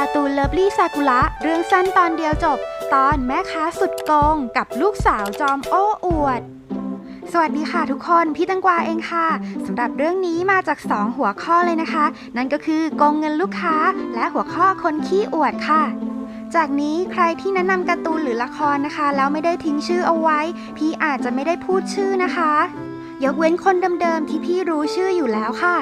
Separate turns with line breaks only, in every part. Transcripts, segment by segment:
การ์ตูนเลิฟลี่ซากุระเรื่องสั้นตอนเดียวจบตอนแม่ค้าสุดโกงกับลูกสาวจอมโอ้อวดสวัสดีค่ะทุกคนพี่ตังกวาเองค่ะสำหรับเรื่องนี้มาจาก2หัวข้อเลยนะคะนั่นก็คือโกงเงินลูกค้าและหัวข้อคนขี้อวดค่ะจากนี้ใครที่แนะนำการ์ตูนหรือละครนะคะแล้วไม่ได้ทิ้งชื่อเอาไว้พี่อาจจะไม่ได้พูดชื่อนะคะยกเว้นคนเดิมๆที่พี่รู้ชื่ออยู่แล้วค่ะ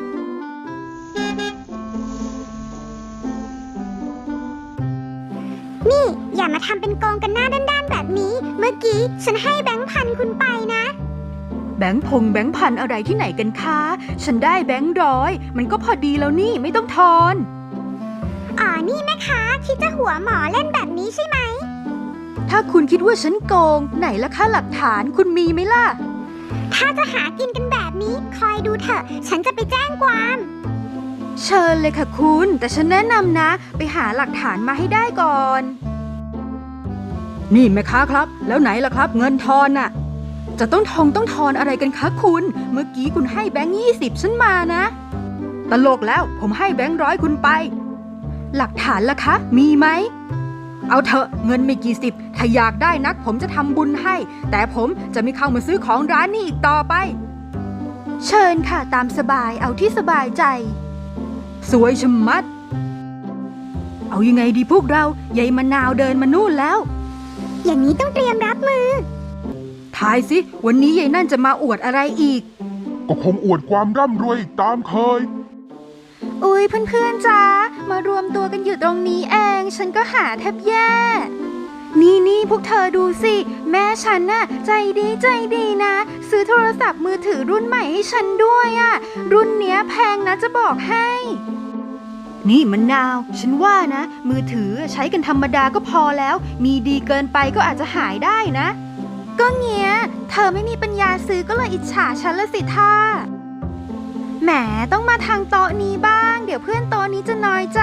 นี่อย่ามาทำเป็นโกงกันหน้าด้านๆแบบนี้เมื่อกี้ฉันให้แบงค์พันคุณไปนะ
แบงค์พันอะไรที่ไหนกันคะฉันได้แบงค์ร้อยมันก็พอดีแล้วนี่ไม่ต้องทอน
อ๋อนี่แม่ค้าคิดจะหัวหมอเล่นแบบนี้ใช่ไหม
ถ้าคุณคิดว่าฉันโกงไหนล่ะคะหลักฐานคุณมีไหมล่ะ
ถ้าจะหากินกันแบบนี้คอยดูเถอะฉันจะไปแจ้งความ
เชิญเลยค่ะคุณแต่ฉันแนะนำนะไปหาหลักฐานมาให้ได้ก่อนนี่แม่ค้าครับแล้วไหนล่ะครับเงินทอนน่ะจะต้องทอนอะไรกันคะคุณเมื่อกี้คุณให้แบงค์20ฉันมานะตลกแล้วผมให้แบงค์ร้อยคุณไปหลักฐานล่ะคะมีไหมเอาเถอะเงินไม่กี่สิบถ้าอยากได้นักผมจะทำบุญให้แต่ผมจะไม่เข้ามาซื้อของร้านนี้อีกต่อไปเชิญค่ะตามสบายเอาที่สบายใจสวยชะมัดเอายังไงดีพวกเรายายมะนาวเดินมานู่นแล้ว
อย่างนี้ต้องเตรียมรับมือ
ทายสิวันนี้ยายนั่นจะมาอวดอะไรอีก
ก็คงอวดความร่ำรวยอีกตามเคย
อุ๊ยเพื่อนๆจ้ามารวมตัวกันอยู่ตรงนี้เองฉันก็หาแทบแย่นี่พวกเธอดูสิแม่ฉันน่ะใจดีนะซื้อโทรศัพท์มือถือรุ่นใหม่ให้ฉันด้วยอ่ะรุ่นเนี้ยแพงนะจะบอกให้นี่มะนาวฉันว่านะมือถือใช้กันธรรมดาก็พอแล้วมีดีเกินไปก็อาจจะหายได้นะก็เงี้ยเธอไม่มีปัญญาซื้อก็เลยอิจฉาฉันละสิท่าแหมต้องมาทางโต๊ะนี้บ้างเดี๋ยวเพื่อนโต๊ะนี้จะน้อยใจ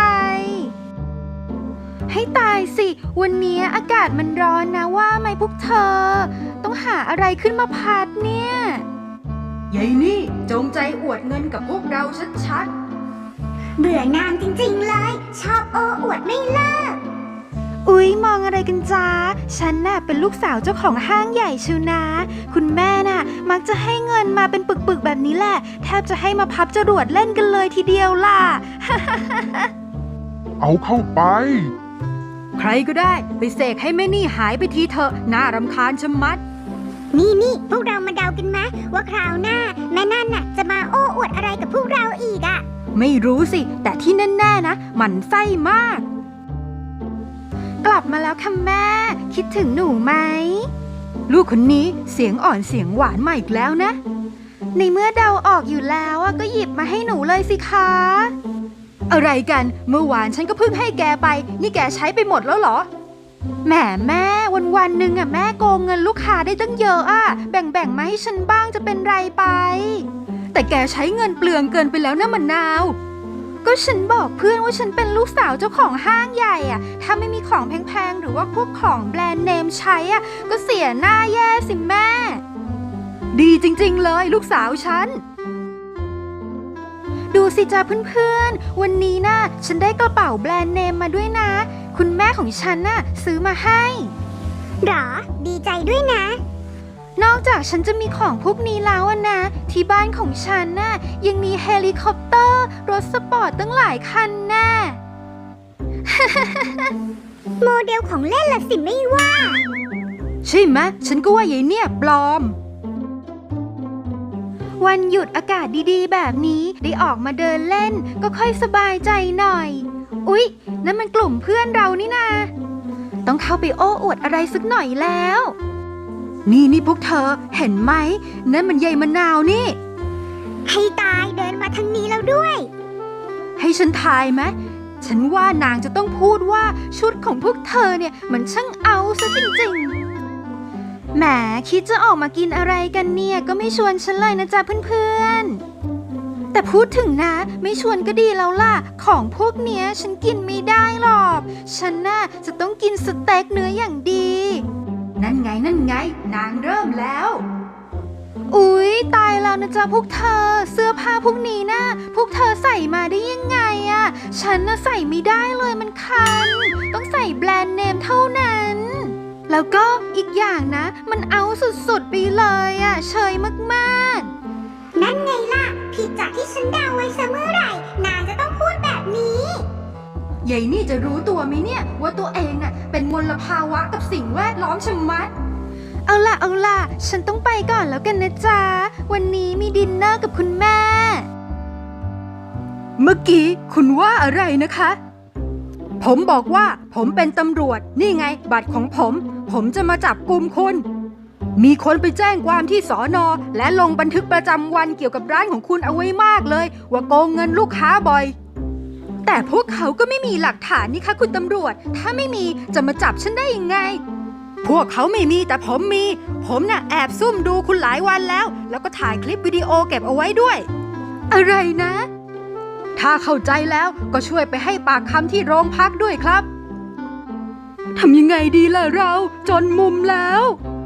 ให้ตายสิวันนี้อากาศมันร้อนนะว่าไหมพวกเธอต้องหาอะไรขึ้นมาพัดเนี่ยยายนี่จงใจอวดเงินกับพวกเราชัด
เบื่อนางจริงๆเลยชอบโอ้อวดไม่เลิก
อุ๊ยมองอะไรกันจ้าฉันน่ะเป็นลูกสาวเจ้าของห้างใหญ่ชิวนะคุณแม่น่ะมักจะให้เงินมาเป็นปึกๆแบบนี้แหละแทบจะให้มาพับจรวดเล่นกันเลยทีเดียวล่ะ
เอาเข้าไป
ใครก็ได้ไปเสกให้แม่นี่หายไปทีเถอะน่ารำคาญชะมัด
นี่พวกเรามาเดากันไหมว่าคราวหน้าแม่นั่นน่ะจะมาโอ้อวดอะไรกับพวกเราอีกอะ
ไม่รู้สิแต่ที่แน่ๆนะหมั่นไส้มากกลับมาแล้วค่ะแม่คิดถึงหนูไหมลูกคนนี้เสียงอ่อนเสียงหวานมาอีกแล้วนะในเมื่อเดาออกอยู่แล้วก็หยิบมาให้หนูเลยสิคะอะไรกันเมื่อวานฉันก็เพิ่งให้แกไปนี่แกใช้ไปหมดแล้วเหรอแหมแม่วันหนึ่งแม่โกงเงินลูกค้าได้ตั้งเยอะแบ่งมาให้ฉันบ้างจะเป็นไรไปแต่แกใช้เงินเปลืองเกินไปแล้วนะมะนาวก็ฉันบอกเพื่อนว่าฉันเป็นลูกสาวเจ้าของห้างใหญ่ถ้าไม่มีของแพงๆหรือว่าพวกของแบรนด์เนมใช้ก็เสียหน้าแย่สิแม่ดีจริงๆเลยลูกสาวฉันดูสิจ้าเพื่อนๆวันนี้นะฉันได้กระเป๋าแบรนด์เนมมาด้วยนะคุณแม่ของฉันซื้อมาให้
หรอดีใจด้วยนะ
นอกจากฉันจะมีของพวกนี้แล้วนะที่บ้านของฉันยังมีเฮลิคอปเตอร์รถสปอร์ตตั้งหลายคันแน่
โมเดลของเล่นละสิไม่ว่า
ใช่ไหมฉันก็ว่ายายเนี่ยปลอมวันหยุดอากาศดีๆแบบนี้ได้ออกมาเดินเล่นก็ค่อยสบายใจหน่อยอุ๊ยนั่นมันกลุ่มเพื่อนเรานี่นาต้องเข้าไปโอ้อวดอะไรสักหน่อยแล้วนี่พวกเธอเห็นไหมนั่นมันยายมะนาวนี่
ให้ตายเดินมาทางนี้แล้วด้วย
ให้ฉันทายไหมฉันว่านางจะต้องพูดว่าชุดของพวกเธอเนี่ยมันช่างเอาซะจริงๆแหมคิดจะออกมากินอะไรกันเนี่ยก็ไม่ชวนฉันเลยนะจ๊ะเพื่อนๆแต่พูดถึงนะไม่ชวนก็ดีแล้วล่ะของพวกเนี้ยฉันกินไม่ได้หรอกฉันจะต้องกินสเต็กเนื้ออย่างดีนั่นไงนางเริ่มแล้วอุ๊ยตายแล้วนะจ๊ะพวกเธอเสื้อผ้าพวกนี้นะพวกเธอใส่มาได้ยังไงอะฉันน่ะใส่ไม่ได้เลยมันคันต้องใส่แบรนด์เนมเท่านั้น แล้วก็อีกอย่างนะมันเอาสุดๆไปเลยอะเชยมากๆ
นั่นไงล่ะ ผิดจากที่ฉันเดาไว้ซะเมื่อไหร่ นางจะต้องพูดแบบนี้
ยายนี่จะรู้ตัวไหมเนี่ยว่าตัวเองน่ะเป็นมลภาวะกับสิ่งแวดล้อมชะมัด เอาล่ะ ฉันต้องไปก่อนแล้วกันนะจ๊ะ วันนี้มีดินเนอร์กับคุณแม่ เมื่อกี้คุณว่าอะไรนะคะ ผมบอกว่าผมเป็นตำรวจนี่ไงบัตรของผมจะมาจับกุมคุณ มีคนไปแจ้งความที่สอนอและลงบันทึกประจำวันเกี่ยวกับร้านของคุณเอาไว้มากเลยว่าโกงเงินลูกค้าบ่อยแต่พวกเขาก็ไม่มีหลักฐานนี่คะคุณตำรวจถ้าไม่มีจะมาจับฉันได้ยังไงพวกเขาไม่มีแต่ผมมีผมน่ะแอบซุ่มดูคุณหลายวันแล้วก็ถ่ายคลิปวิดีโอเก็บเอาไว้ด้วยอะไรนะถ้าเข้าใจแล้วก็ช่วยไปให้ปากคำที่โรงพักด้วยครับทำยังไงดีล่ะเราจนมุมแล้ว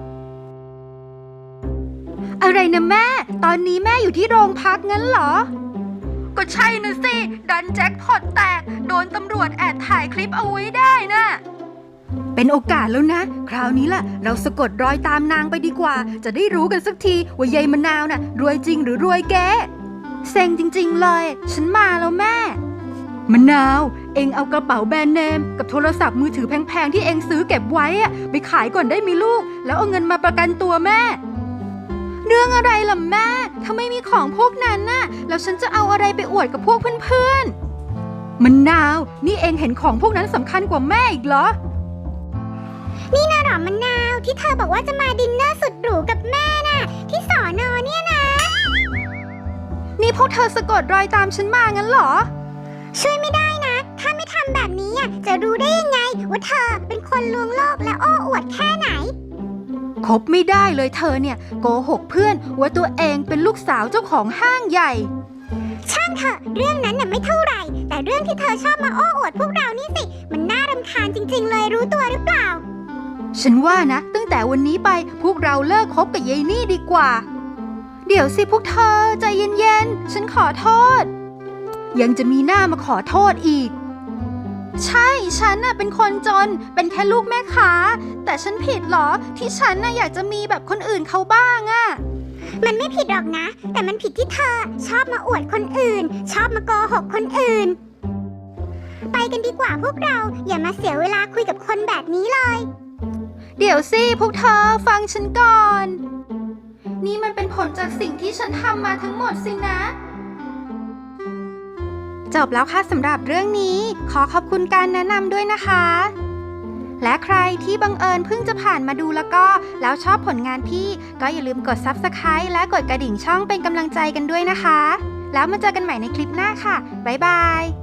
อะไรนะแม่ตอนนี้แม่อยู่ที่โรงพักงั้นเหรอก็ใช่นะสิดันแจ็คพอตแตกโดนตำรวจแอบถ่ายคลิปเอาไว้ได้นะเป็นโอกาสแล้วนะคราวนี้ล่ะเราสะกดรอยตามนางไปดีกว่าจะได้รู้กันสักทีว่ายายมะนาวน่ะรวยจริงหรือรวยแกเซ็งจริงๆเลยฉันมาแล้วแม่มะนาวเอ็งเอากระเป๋าแบรนด์เนมกับโทรศัพท์มือถือแพงๆที่เอ็งซื้อเก็บไว้อะไปขายก่อนได้มีลูกแล้วเอาเงินมาประกันตัวแม่เรื่องอะไรล่ะแม่ถ้าไม่มีของพวกนั้นน่ะแล้วฉันจะเอาอะไรไปอวดกับพวกเพื่อนๆมะนาวนี่เอ็งเห็นของพวกนั้นสำคัญกว่าแม่อีกเหรอ
นี่นะหรอมะนาวที่เธอบอกว่าจะมาดินเนอร์สุดหรูกับแม่น่ะที่สอนอเนี่ยนะ
นี่พวกเธอสะกดรอยตามฉันมางั้นเหรอ
ช่วยไม่ได้นะถ้าไม่ทำแบบนี้จะรู้ได้ยังไงว่าเธอเป็นคนลวงโลกและโอ้อวดแค่ไหน
คบไม่ได้เลยเธอเนี่ยโกหกเพื่อนว่าตัวเองเป็นลูกสาวเจ้าของห้างใหญ่
ช่างเถอะเรื่องนั้นน่ะไม่เท่าไหร่แต่เรื่องที่เธอชอบมาโอ้อวดพวกเรานี่สิมันน่ารำคาญจริงๆเลยรู้ตัวหรือเปล่า
ฉันว่านะตั้งแต่วันนี้ไปพวกเราเลิกคบกับยายนี่ดีกว่าเดี๋ยวสิพวกเธอใจเย็นๆฉันขอโทษยังจะมีหน้ามาขอโทษอีกใช่ฉันน่ะเป็นคนจนเป็นแค่ลูกแม่ค้าแต่ฉันผิดเหรอที่ฉันน่ะอยากจะมีแบบคนอื่นเขาบ้างอะ
มันไม่ผิดหรอกนะแต่มันผิดที่เธอชอบมาอวดคนอื่นชอบมาโกหกคนอื่นไปกันดีกว่าพวกเราอย่ามาเสียเวลาคุยกับคนแบบนี้เลย
เดี๋ยวสิพวกเธอฟังฉันก่อนนี่มันเป็นผลจากสิ่งที่ฉันทำมาทั้งหมดสินะจบแล้วค่ะสำหรับเรื่องนี้ขอขอบคุณการแนะนำด้วยนะคะและใครที่บังเอิญเพิ่งจะผ่านมาดูแล้วชอบผลงานพี่ก็อย่าลืมกด Subscribe และกดกระดิ่งช่องเป็นกำลังใจกันด้วยนะคะแล้วมาเจอกันใหม่ในคลิปหน้าค่ะบ๊ายบาย